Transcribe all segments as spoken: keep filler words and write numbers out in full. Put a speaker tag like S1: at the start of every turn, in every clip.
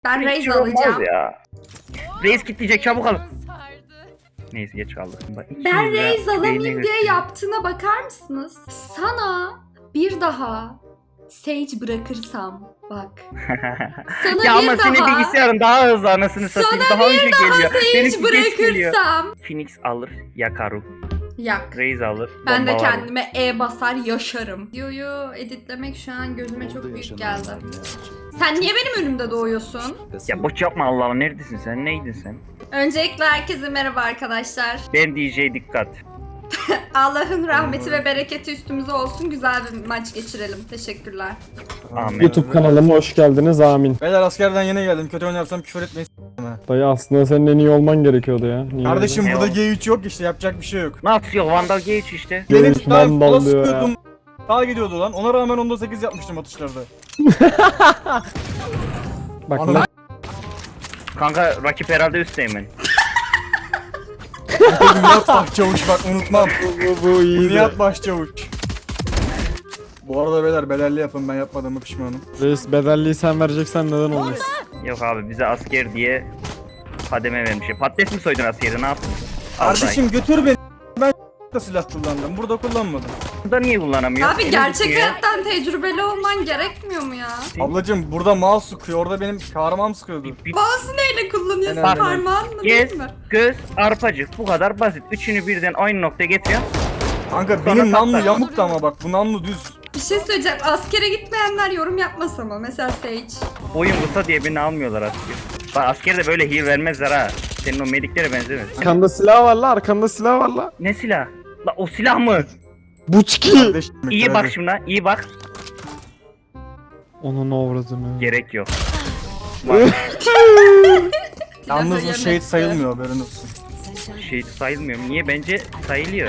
S1: Ben
S2: Hiç
S1: Raze
S2: şey olmaz
S1: alacağım.
S2: ya. Raze kitleyecek, çabuk alın. Neyse geç kaldık. Bak, iki
S1: Ben
S2: yüz lira
S1: Raze
S2: beynine
S1: alamayayım diye
S2: götürüyor.
S1: yaptığına bakar mısınız? Sana bir daha Sage bırakırsam bak. Sana
S2: Ya
S1: bir
S2: ama senin
S1: daha
S2: bilgisayarın daha hızlı anasını satayım.
S1: Sana
S2: Daha
S1: bir
S2: önce
S1: daha
S2: geliyor.
S1: Sage
S2: Benimki geç geliyor.
S1: bırakırsam.
S2: Phoenix alır, Yakaru.
S1: Yak.
S2: Raze alır,
S1: Ben de
S2: bombalar.
S1: kendime E basar yaşarım. Videoyu editlemek şu an gözüme çok büyük geldi. Sen niye benim önümde doğuyorsun?
S2: Ya boş yapma Allah'ım, neredesin sen? Neydin sen?
S1: Öncelikle herkese merhaba arkadaşlar.
S2: Ben D J dikkat.
S1: Allah'ın rahmeti ve bereketi üstümüze olsun. Güzel bir maç geçirelim. Teşekkürler.
S2: Amin.
S3: YouTube kanalıma hoş geldiniz, amin.
S4: Beyler askerden yeni geldim. Kötü oynarsam küfür etmeyin.
S3: Dayı aslında senin en iyi olman gerekiyordu ya. Niye
S4: Kardeşim
S2: Ne
S4: burada
S2: o?
S4: G üç yok işte, yapacak bir şey yok.
S2: Nasıl yok? Vandal Gage işte.
S3: G üç
S4: Benim daha
S3: Vandal
S4: falan
S3: diyor ya.
S4: sıkıyordum. Daha gidiyordu lan. Ona rağmen onda sekiz yapmıştım atışlarda.
S3: Bak
S4: Ana-
S3: lan.
S2: Kanka rakip herhalde üstteyim ben.
S4: Nihat Başçavuş bak, unutmam.
S3: Bu, bu iyi de.
S4: Nihat Başçavuş. Bu arada beyler bedelli yapın, ben yapmadığımı pişmanım.
S3: Reis bedelliği sen vereceksen neden olmasın?
S2: Yok abi, bize asker diye kademe vermiş. Patates mi soydun askeri, ne yaptın?
S4: Kardeşim götür beni. Ben da silah kullandım. Burada kullanmadım.
S2: Burada niye kullanamıyor?
S1: Abi
S2: Elim
S1: gerçek
S2: tutuyor.
S1: hayattan tecrübeli olman gerekmiyor mu ya?
S4: Ablacım burada mouse sıkıyor. Orada benim kahraman sıkıyordu.
S2: Bir-
S1: Mouse'u neyle kullanıyorsun?
S4: Bak,
S1: Parmağın mı
S2: Gez,
S1: değil mi?
S2: göz, arpacık, bu kadar basit. Üçünü birden aynı noktaya getiriyorsun.
S4: Kanka benim namlu
S2: tatlı.
S4: yamuktu ama bak, bu namlu düz.
S1: Bir şey söyleyeceğim. Askere gitmeyenler yorum yapmasa mı? Mesela Sage.
S2: Boyun kısa diye birini almıyorlar asker. Bak askere de böyle heal vermezler ha. Senin o mediklere benzemez.
S3: Arkanda silah var la, arkanda silah var la.
S2: Ne silah? La o silah mı?
S3: Buçki.
S4: Kardeşim,
S2: İyi
S4: hadi.
S2: bak şimdi, iyi bak.
S3: Onun avradını.
S2: Gerek yok.
S4: Yalnız bu
S1: Silahı
S4: şehit
S1: yemekte.
S4: sayılmıyor, haberin olsun.
S2: Şey sayılmıyor. Niye? Bence sayılıyor.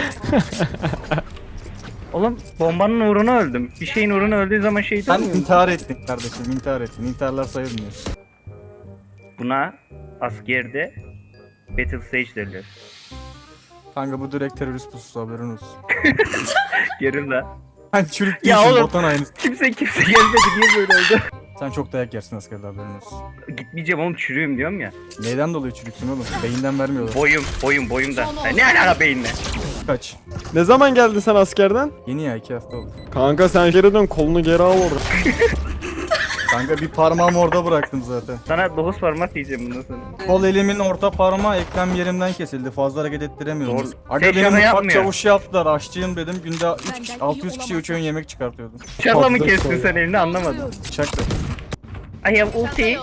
S2: Oğlum bombanın uğruna öldüm. Bir şeyin uğruna öldüğü zaman şehit
S4: Sen
S2: olmuyor mu?
S4: intihar ettin kardeşim, intihar ettin. İntiharlar sayılmıyor.
S2: Buna askerde Battle Stage derler.
S4: Kanka bu direkt terörist pususu, haberin olsun.
S2: Yerim la.
S4: Sen çürük
S2: Ya
S4: değilsin,
S2: oğlum.
S4: botan aynısı.
S2: Kimse kimse gelmedi. Niye böyle oldu?
S4: Sen çok dayak yersin askerde, haberin olsun.
S2: Gitmeyeceğim oğlum, çürüğüm diyorum ya.
S4: Neyden dolayı çürüksün oğlum? Beyinden vermiyorlar.
S2: Boyum, boyum, boyumda. Ha, ne alaka beyinle?
S4: Kaç?
S3: Ne zaman geldin sen askerden?
S4: Yeni ya, iki hafta oldu.
S3: Kanka sen geri dön, kolunu geri al orada.
S4: Kanka bir parmağımı orada bıraktım zaten.
S2: Sana dokuz parmak diyeceğim bundan sonra.
S4: Kol elimin orta parmağı eklem yerimden kesildi. Fazla hareket ettiremiyorum.
S2: Doğru.
S4: Aga
S2: Sen
S4: benim
S2: şaka
S4: mutfak
S2: yapmıyor.
S4: çavuşu yaptılar. Aşçıyım dedim. Günde üç kişi, altı yüz kişiye üç öğün yemek çıkartıyordum.
S2: Bıçakla mı
S3: Patlık
S2: kestin
S3: koy.
S2: sen elini, anlamadım.
S4: Bıçakla.
S2: I have ulti.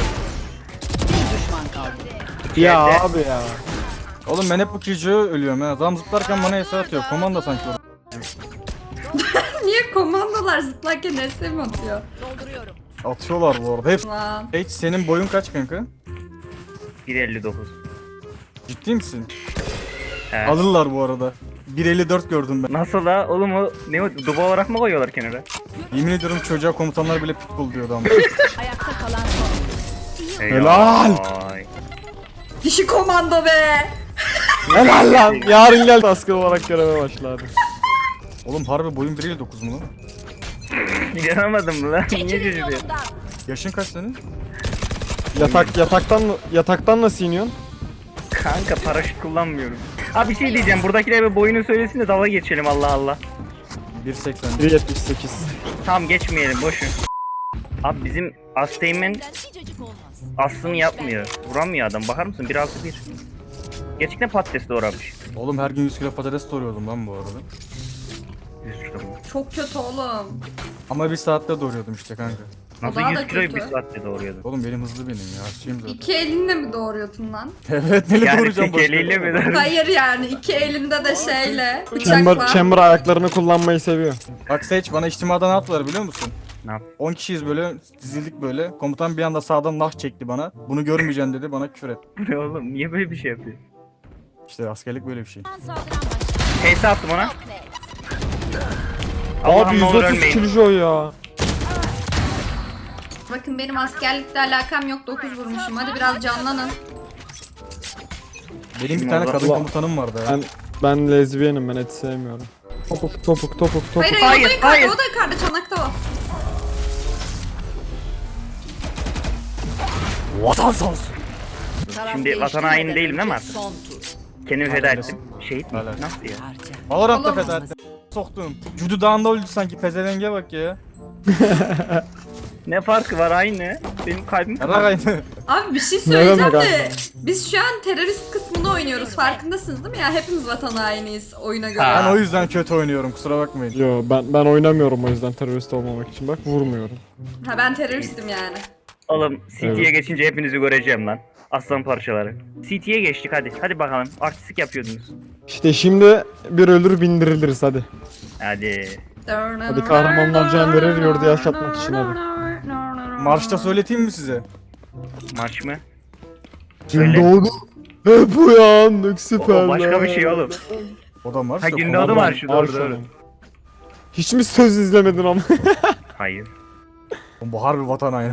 S3: Ya
S2: Yerde.
S3: abi ya.
S4: Oğlum ben hep bu Kijo'ya ölüyorum ha. Adam zıplarken bana hesa atıyor. Komanda sanki orada.
S1: Niye komandolar zıplarken R S mi atıyor?
S4: Atıyorlar bu arada. Hep.
S1: Lan.
S4: Hiç senin boyun kaç kanka?
S2: bir elli dokuz.
S4: Ciddi misin?
S2: He.
S4: Alırlar bu arada. bir elli dört gördüm ben.
S2: Nasıl la? Oğlum o ne o? Duba olarak mı koyuyorlar kenara?
S4: Yemin ediyorum çocuğa komutanlar bile pitbull diyordu ama.
S5: Ayakta kalan son.
S3: Helal.
S2: Ay.
S1: Dişi komando be.
S3: Helal lan. Yarın gel asker olarak göreve başladı.
S4: Oğlum harbi boyun bir elli dokuz mu lan?
S2: İnanamadım mı lan? Niye şaşırıyor?
S4: Yaşın kaç senin?
S3: Yatak yataktan yataktan nasıl iniyorsun?
S2: Kanka paraşüt kullanmıyorum. Abi bir şey diyeceğim. Buradakiler bir boyunu söylesin de dalga geçelim, Allah Allah.
S4: bir seksen.
S3: bir yetmiş sekiz.
S2: Tamam geçmeyelim, boşun. Abi bizim Asteğmen aslını yapmıyor. Vuramıyor adam. Bakar mısın? bir altı bir. Gerçekten patates doğramış.
S4: Oğlum her gün yüz kilo patates doğruyordum lan bu arada.
S2: yüz kilo mu?
S1: Çok kötü oğlum.
S4: Ama bir saatte doğruyordum işte kanka.
S2: Nasıl
S1: daha
S2: yüz
S1: da
S2: kiloyu bir
S1: kötü.
S2: saatte doğruyordun?
S4: Oğlum benim hızlı benim ya. Aşçıyım zaten.
S1: İki elinle mi doğruyordun lan?
S4: Evet, neyle
S2: Yani
S4: doğuracağım
S2: tek eliyle mi doğruyorsun?
S1: Hayır yani iki elinde de şeyle
S3: Chamber,
S1: bıçakla.
S3: Chamber ayaklarını kullanmayı seviyor.
S4: Bak Sage, bana içtimada ne yaptılar biliyor musun?
S2: Ne yap?
S4: on kişiyiz böyle, dizildik böyle. Komutan bir anda sağdan nah çekti bana. Bunu görmeyeceksin dedi, bana küfür et.
S2: Bu ne oğlum? Niye böyle bir şey yapıyor?
S4: İşte askerlik böyle bir şey.
S2: Teyze attım ona.
S3: Abi
S2: Allah'ım ne olur
S3: yüz otuz
S2: ölmeyin.
S3: kilo ya.
S1: Bakın benim askerlikle alakam yok, dokuz vurmuşum. Hadi biraz canlanın.
S4: Benim bir tane kadın
S3: Allah.
S4: komutanım vardı ya.
S3: Ben ben lezbiyenim, ben et sevmiyorum. Topuk topuk topuk topuk.
S1: Hayır hayır, o da
S2: Hayır,
S1: yukarıda,
S2: hayır.
S1: o da yukarıda, çanakta o.
S4: Vatan sağ olsun.
S2: Şimdi vatan haini değilim değil mi artık? Kendimi feda ettim. Şehit mi?
S4: Hala.
S2: Nasıl ya?
S4: Valorant'ta
S1: Olamaz.
S4: feda ettim. Soktum. Cudu Dağı'nda öldü sanki, pezevenge bak ya.
S2: Ne farkı var aynı? Benim kalbim
S4: Yarak aynı.
S1: Abi bir şey
S3: Ne
S1: söyleyeceğim
S3: demek
S1: de
S3: abi?
S1: biz şu an terörist kısmını oynuyoruz farkındasınız değil mi ya? Hepimiz vatan hainiyiz oyuna göre.
S2: Ha.
S4: Ben o yüzden kötü oynuyorum, kusura bakmayın.
S3: Yo ben ben oynamıyorum o yüzden terörist olmamak için. Bak vurmuyorum.
S1: Ha ben teröristim yani.
S2: Oğlum City'ye
S3: Evet.
S2: geçince hepinizi göreceğim lan. Aslan parçaları. City'ye geçtik hadi. Hadi bakalım. Artistik yapıyordunuz.
S3: İşte şimdi bir ölür bindiriliriz hadi.
S2: Hadi.
S3: Hadi kahramanlar can verir yurdu yaşatmak için hadi.
S4: Marşta söyleteyim mi size?
S2: Maç mı?
S3: Gün
S2: Söyle.
S3: doğdu. Hep uyandık süper.
S2: O başka bir şey oğlum.
S4: O da marş
S2: Ha
S4: da
S2: gündoğdu
S4: komando.
S2: marşı doğru doğru.
S3: Hiç mi söz izlemedin ama?
S2: Hayır.
S4: Oğlum bu harbi vatan aynı.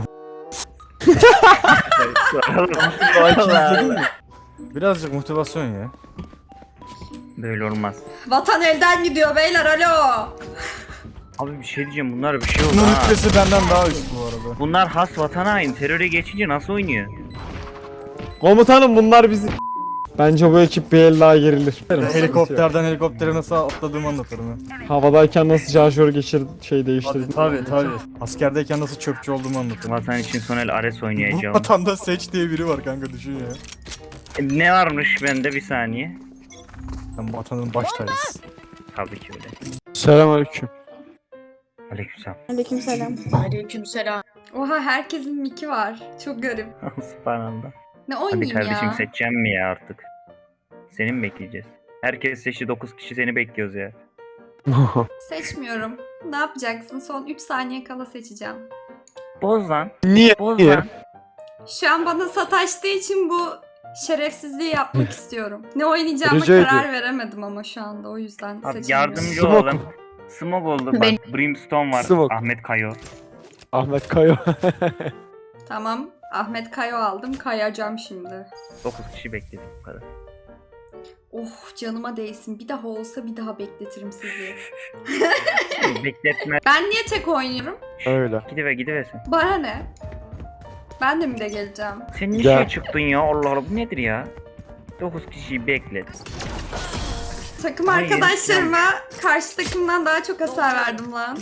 S2: Oğlum,
S4: İzledin mi? Birazcık motivasyon ya.
S2: Böyle olmaz.
S1: Vatan elden gidiyor beyler alo.
S2: Abi bir şey diyeceğim, bunlar bir şey oldu
S4: Bunun
S2: ha.
S4: rütbesi benden daha üst bu arada.
S2: Bunlar has vatan hain. Teröre geçince nasıl oynuyor?
S3: Komutanım bunlar bizi... Bence bu ekip bir el daha gerilir.
S4: Helikopterden helikoptere nasıl atladığımı anlatırım ya.
S3: Havadayken nasıl şarjör geçir şey
S4: Tabii
S3: değiştirdim.
S4: tabii tabii. Askerdeyken nasıl çöpçü olduğumu anlatırım.
S2: Vatan için son el Ares
S4: Bu
S2: oynayacağım.
S4: vatanda seç diye biri var kanka, düşün ya.
S2: E, ne varmış bende bir saniye?
S4: Ben vatanın baş tacısı.
S2: Tabii ki öyle.
S3: Selamünaleyküm.
S2: Aleykümselam.
S6: Aleykümselam.
S5: Aleykümselam.
S1: Oha herkesin miki var. Çok garip.
S2: Subhanallah.
S1: Ne
S2: Hadi
S1: oynayayım
S2: kardeşim
S1: ya?
S2: seçeceğim mi ya artık? Seni mi bekleyeceğiz? Herkes seçti, dokuz kişi seni bekliyoruz ya.
S1: Seçmiyorum. Ne yapacaksın? Son üç saniye kala seçeceğim.
S2: Boz lan.
S3: Niye?
S2: Boz
S3: Niye?
S2: lan.
S1: Şu an bana sataştığı için bu şerefsizliği yapmak istiyorum. Ne oynayacağıma
S3: Rica
S1: karar
S3: ediyorum.
S1: veremedim ama şu anda o yüzden
S2: Abi
S1: seçemiyorum.
S2: yardımcı
S3: Smoke.
S2: olalım. Smoke oldu bak.
S5: Ben-
S2: Brimstone var.
S3: Smoke.
S2: Ahmet Kayo.
S3: Ahmet Kayo.
S1: Tamam. Ahmet Kayo aldım. Kayacağım şimdi.
S2: dokuz kişi bekledik bu kadar.
S1: Oh canıma değsin. Bir daha olsa bir daha bekletirim sizi.
S2: Bekletme.
S1: Ben niye tek oynuyorum?
S3: Öyle.
S2: Gidiver gidiversin.
S1: Bana ne? Ben de mi de geleceğim?
S2: Sen niye
S3: Gel.
S2: şey çıktın ya? Allah Allah, bu nedir ya? dokuz kişiyi beklet.
S1: Takım
S2: Hayır,
S1: arkadaşlarıma karşı takımdan daha çok hasar verdim lan.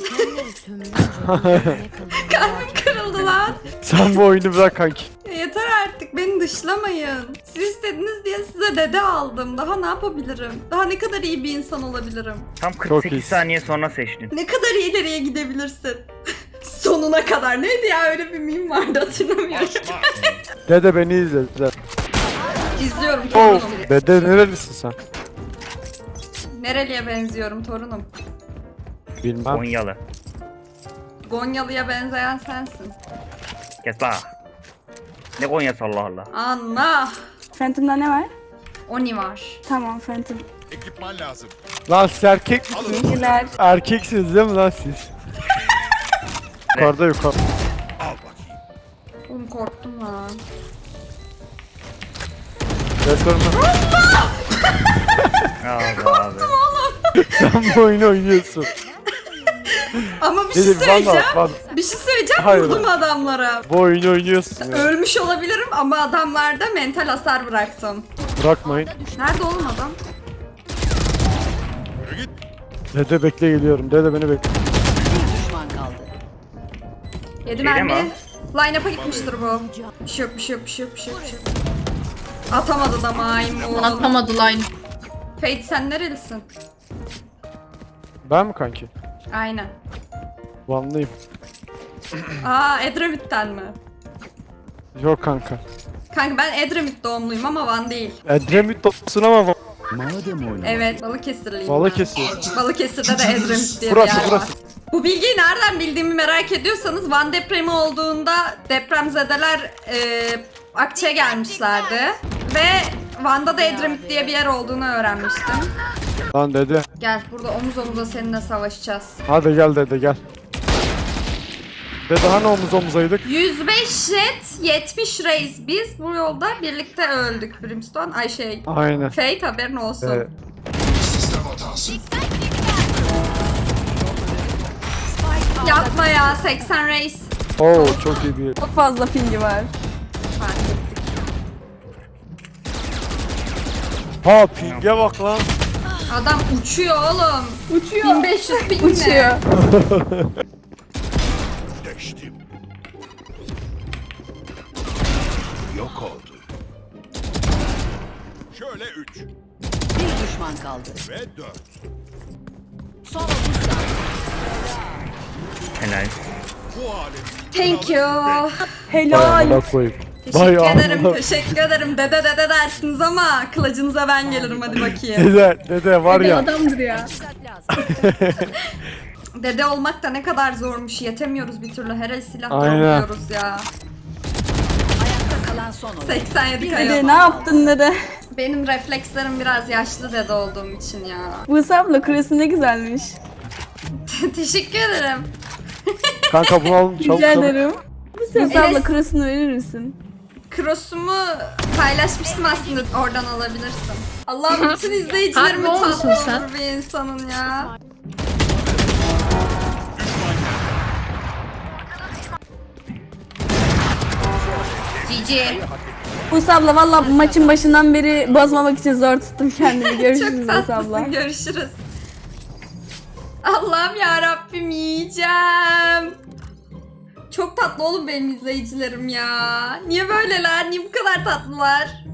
S1: Kalbim kırıldı lan.
S3: Sen bu oyunu bırak kanki.
S1: Yeter artık beni dışlamayın. Siz istediniz diye size dede aldım. Daha ne yapabilirim? Daha ne kadar iyi bir insan olabilirim?
S2: Tam
S3: Çok
S2: kırk sekiz
S3: iyisin.
S2: saniye sonra seçtin.
S1: Ne kadar ileriye gidebilirsin? Sonuna kadar. Neydi ya, öyle bir meme vardı hatırlamıyorum.
S3: Dede beni izle. Dede.
S1: İzliyorum
S3: Oh.
S1: torunum.
S3: Dede nerelisin sen?
S1: Nereliye benziyorum torunum?
S3: Bilmem.
S2: Konyalı.
S1: Gonyalı'ya benzeyen sensin.
S2: Kes bak. Ne Konya'sı Allah Allah.
S1: Anla.
S6: Phantom'da ne var?
S1: Oni var.
S6: Tamam Phantom.
S7: Ekipman lazım.
S3: Lan siz erkek misiniz?
S6: Teşekkürler.
S3: Erkeksiniz değil mi lan siz? Yukarıda yukarı.
S7: Al bakayım.
S1: Oğlum korktum lan.
S3: Restoranı.
S2: Abi abi.
S3: Sen bu oyunu oynuyorsun.
S1: Ama bir şey
S3: Dedim
S1: söyleyeceğim.
S3: valla valla.
S1: Bir şey söyleyeceğim.
S3: Hayır.
S1: Vurdum adamlara.
S3: Bu oyunu oynuyorsun ya.
S1: Ölmüş olabilirim ama adamlarda mental hasar bıraktım.
S3: Bırakmayın.
S1: Nerede oğlum adam?
S3: Dede bekle geliyorum. Dede beni bekle.
S1: Yedi
S2: Şeyde mi
S1: mermi. Line-up'a gitmiştir bu. Bir şey yok, bir şey yok, bir şey yok, bir şey yok. Bir şey yok. Atamadı da maymun.
S5: Atlamadı line.
S1: Fate sen nerelisin?
S3: Ben mi kanki?
S1: Aynen.
S3: Vanlıyım.
S1: Aa Edremit'ten mi?
S3: Yok kanka.
S1: Kanka ben Edremit doğumluyum ama Van değil.
S3: Edremit olsun ama Va-
S1: Evet Balıkesirliyim ben.
S3: Balıkesir.
S1: Balıkesir'de de Edremit diye
S3: Burası,
S1: bir yer
S3: burası.
S1: var. Bu bilgiyi nereden bildiğimi merak ediyorsanız Van depremi olduğunda depremzedeler e, Akça'ya gelmişlerdi. Ve Van'da da Edremit diye bir yer olduğunu öğrenmiştim.
S3: Lan dede.
S1: Gel burada omuz omuza seninle savaşacağız.
S3: Hadi gel dede gel. Dede hani omuz omuzaydık?
S1: yüz beş jet, yetmiş reis. Biz bu yolda birlikte öldük Brimstone. Ay şey,
S3: Aynen.
S1: Fate haberin olsun.
S3: Evet.
S7: Sistem hatası.
S1: Yapma ya seksen reis.
S3: Oo çok iyi bir.
S6: Çok fazla pingi var.
S1: Bak
S3: Ha pinge bak lan.
S1: Adam uçuyor oğlum.
S6: Uçuyor.
S1: bin beş yüz ping mi?
S6: Uçuyor.
S7: Deştim. Yok oldu. Şöyle üç
S5: Bir düşman kaldı.
S7: ve dört.
S5: Son otuz saniye.
S2: Helal.
S7: Bu alem
S1: Thank you.
S6: Helal.
S3: Amına koyayım.
S1: Teşekkür
S3: Vay
S1: ederim,
S3: Allah.
S1: teşekkür ederim. Dede dede dersiniz ama kılıcınıza ben gelirim hadi bakayım.
S3: Dede, dede var ya.
S6: Adamdır ya.
S5: Dikkat lazım.
S1: Dede olmak da ne kadar zormuş. Yetemiyoruz bir türlü. Her el silah
S3: Aynen.
S1: dolduruyoruz ya.
S5: Ayakta kalan son oyun.
S1: seksen yedi
S6: Dede
S1: kaya.
S6: ne yaptın dede?
S1: Benim reflekslerim biraz yaşlı dede olduğum için ya.
S6: Buse abla küresi ne güzelmiş.
S1: Teşekkür ederim.
S3: Kanka bunu alın çabuk
S6: Rica
S3: çabuk.
S6: ederim. Buse
S1: Enes-
S6: abla küresini verir misin?
S1: Cross'umu paylaşmıştım aslında. Oradan alabilirsin. Allah'ım bütün izleyicilerimi
S8: Abi ne olmuşsun
S1: tatlı
S8: sen?
S1: olur bir insanın ya. G G.
S6: Buse abla valla maçın başından beri bozmamak için zor tuttum kendimi. Görüşürüz
S1: Çok
S6: Buse abla.
S1: tatlısın. Görüşürüz. Allah'ım ya Rabbim yiyeceğim. Çok tatlı oğlum benim izleyicilerim ya. Niye böyleler? Niye bu kadar tatlılar?